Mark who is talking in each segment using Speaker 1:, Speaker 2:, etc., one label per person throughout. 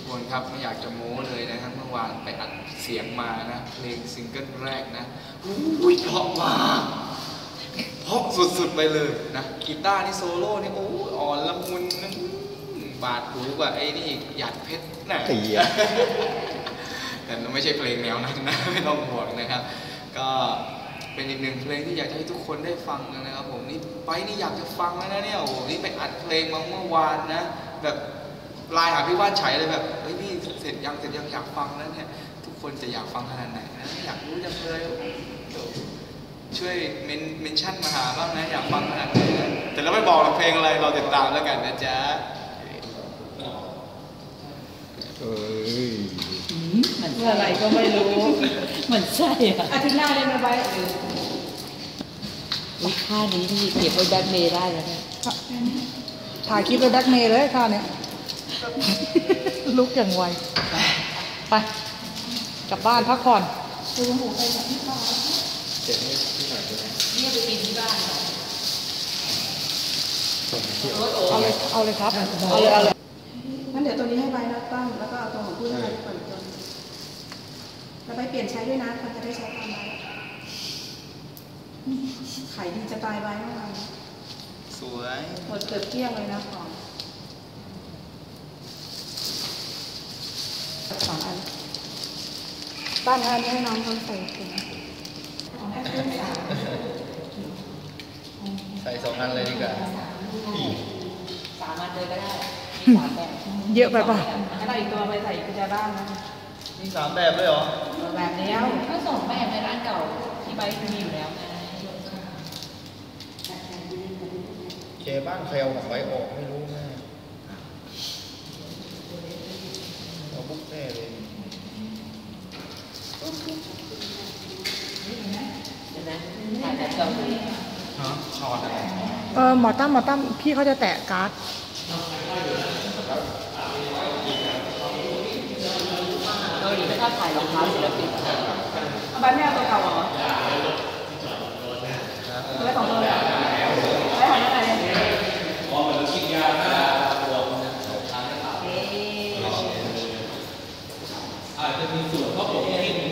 Speaker 1: คนครับไม่อยากจะโม้เลยนะครับเมื่อวานไปอัดเสียงมานะเพลงซิงเกิลแรกนะอุ้ยเพราะมากเพราะสุดๆไปเลยนะกีตาร์นี่โซโล่นี่โอ้อ่อนละมุนนะบาดหูกว่าไอ้นี่หยาดเพชรนะแต่ไม่ใช่เพลงแนวนั้นนะไม่ต้องห่วงนะครับก็เป็นอีกหนึ่งเพลงที่อยากให้ทุกคนได้ฟังนะครับผมนี่ไปนี่อยากจะฟังแล้วนะเนี่ยโอ้โหนี่ไปอัดเพลงมาเมื่อวานนะแบบไลน์หาพี่ว่านชัยเลยแบบเฮ้ยพี่เสร็จยังอยากฟังแล้วเนี่ยทุกคนจะอยากฟังขนาดไหนนะอยากรู้จังเลยช่วยเมนชั่นมาหาบ้างนะอยากฟังขนาดไหนนะแต่เราไม่บอกหรอกเพลงอะไรเราติดตามแล้วกันนะจ๊ะ
Speaker 2: มันอะไรก็ไม่รู้มันใช่อาทิตย์หน้าได้ไหมใบท่านี้ที่เก็บไว้แบ็คเมย์ได้แล้วเนี่ย
Speaker 3: ถ่ายคลิปไปแบ็คเมย์เลยท่าเนี้ยลุกอย่างไวไปกลับบ้านพักผ่อนดูหูไปจากที่บ้าน
Speaker 1: เจ็บที่ไหนด้วย
Speaker 2: นี่ไปกินที่บ้าน
Speaker 3: เอาเลยครับเอาเลย
Speaker 4: งั้นเดี๋ยวตัวนี้ให้ใบนะตั้งแล้วก็เอาตัวของผู้ให้ใบก่อนตัวแล้วใบเปลี่ยนใช้ด้วยนะคนจะได้ใช้ตามใบขายดีจะตายใบเมื่อวาน
Speaker 1: สวย
Speaker 4: หมดเกือบเกลี้ยงเลยนะของ2 อันตั้งอันนี้ให้น้องเขาใส่ถุงของแอปเปิ้ล
Speaker 1: ใส่2 อันเลยดีกว่า
Speaker 2: 3 อันเลยก็ได้มี3 แบบ
Speaker 3: เยอะไปป่ะ
Speaker 4: แล้วอีกตัวไปใส่กุญแจบ้านนะ
Speaker 1: มี3 แบบเลยเหรอ
Speaker 4: แบบเดียว
Speaker 2: ก็2 แบบในร้านเก่าที่ใบมีอยู่แล้วไง
Speaker 1: เคบ้านใครเอาของไว้ออกไม่รู้แม่เอาบุ๊กแน่เลย
Speaker 2: เห็นไหมถ่ายแบบเก่า
Speaker 1: ฮะช็อตอะไร
Speaker 3: หมอตั้มพี่เขาจะแตะการ์ด
Speaker 2: เกาหลีไม่ชอบถ่ายรองเท้าศิลปิน
Speaker 4: เอาใบไม่เอาตัวเก่าเหรอไว้2 ตัวไว้หันหน้าไหน
Speaker 1: พอเหมือนกินยาหน้าบวมอาจจะมีส่วนเพราะผมไม่มี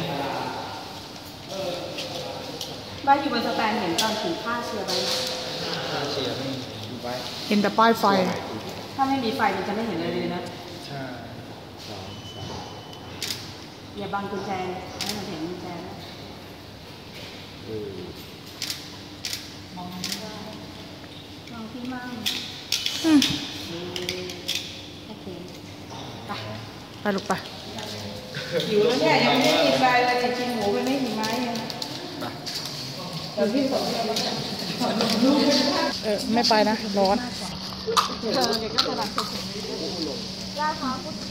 Speaker 4: ใบอยู่บนสแตนเห็นตอนถือผ้าเชียร์ใบ
Speaker 1: ผ้าเชียร์ไม่อยู่ไว้
Speaker 3: เห็นแต่ป้ายไฟ
Speaker 4: ถ้าไม่มีไฟมันจะไม่เห็นเลยนะ
Speaker 1: ใช่
Speaker 4: อย่าบังกุญแจให้มันเห็นกุญแจนะมองพี่มั่งโอเค
Speaker 3: ไปลูกไป
Speaker 4: หิวแล้วเนี่ยยังไม่กินใบเลยจะกินหมูไปไม่กี่ไม้ยังเดี๋ยวพี่ส่ง
Speaker 3: ไม่ไปนะร้อน
Speaker 4: เด็กก็จะรักสุดราคาพุทธ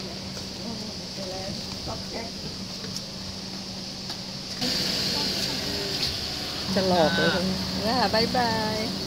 Speaker 3: จะหลอกเลย
Speaker 2: บ๊ายบาย